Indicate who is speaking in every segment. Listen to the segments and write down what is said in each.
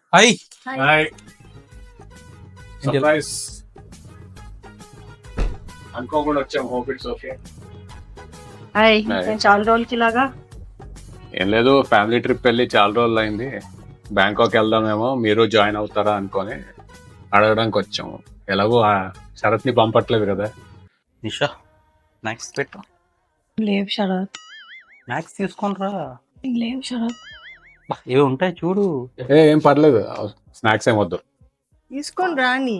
Speaker 1: Hi
Speaker 2: hi surprise అనుకోకుండా వచ్చాం. Hope it's okay.
Speaker 3: Hi
Speaker 4: Hi.
Speaker 3: నేను చాలా రోజులకి ఇలాగా
Speaker 4: ఏం లేదు, ఫ్యామిలీ ట్రిప్ వెళ్ళి చాలా రోజులు అయింది. బ్యాంకాక్ వెళ్దామేమో, మీరు జాయిన్ అవుతారా అనుకొని అడగడానికి వచ్చాము. ఎలాగో ఆ శరత్ని పంపట్లేదు కదా.
Speaker 1: నిషా స్నాక్స్ పెట్టు.
Speaker 3: లేవు శరత్,
Speaker 1: స్నాక్స్ తీసుకొని రా.
Speaker 3: లేవు శరత్.
Speaker 1: ఏవి ఉంటాయి చూడు.
Speaker 4: ఏం పర్లేదు, స్నాక్స్ ఏం వద్దు.
Speaker 3: తీసుకొని రాని.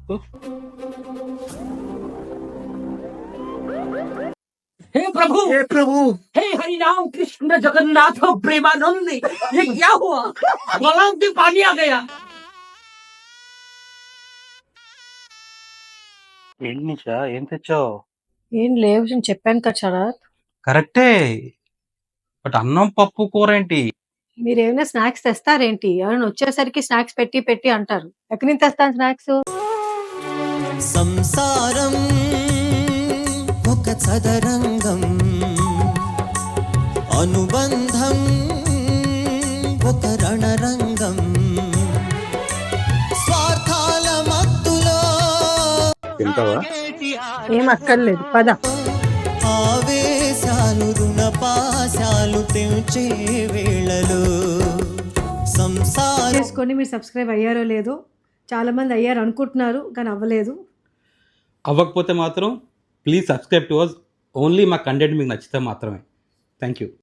Speaker 5: हे प्रभु हे हरि राम कृष्ण जगन्नाथ प्रेमानंद, ये क्या हुआ? गलाव में पानी आ गया.
Speaker 1: ఏంటి నిషా, ఏం తెచ్చావు?
Speaker 3: ఏం లేవు నేను చెప్పాను కదా శరత్.
Speaker 1: కరెక్టే, బట్ అన్నం పప్పు కూర ఏంటి?
Speaker 3: మీరు ఏమైనా స్నాక్స్ తెస్తారేంటి? ఎవరైనా వచ్చేసరికి స్నాక్స్ పెట్టి పెట్టి అంటారు. ఎక్కడి నుంచి తెస్తాను స్నాక్స్?
Speaker 6: సంసారం ఒక చదరంగం, అనుబంధం ఒక రణరంగం, స్వార్థాల మత్తులో
Speaker 4: తింటావా?
Speaker 3: ఏం అక్కర్లేదు, పద.
Speaker 6: ఆవేశాలు రుణపాశాలు తెంచే వేళలో సంసారం.
Speaker 3: చేసుకొని మీరు సబ్స్క్రైబ్ అయ్యారో లేదో, చాలా మంది అయ్యారు అనుకుంటున్నారు కానీ అవ్వలేదు.
Speaker 7: అవ్వకపోతే మాత్రం please subscribe to us. Only మా కంటెంట్ మీకు నచ్చితే మాత్రమే. Thank you.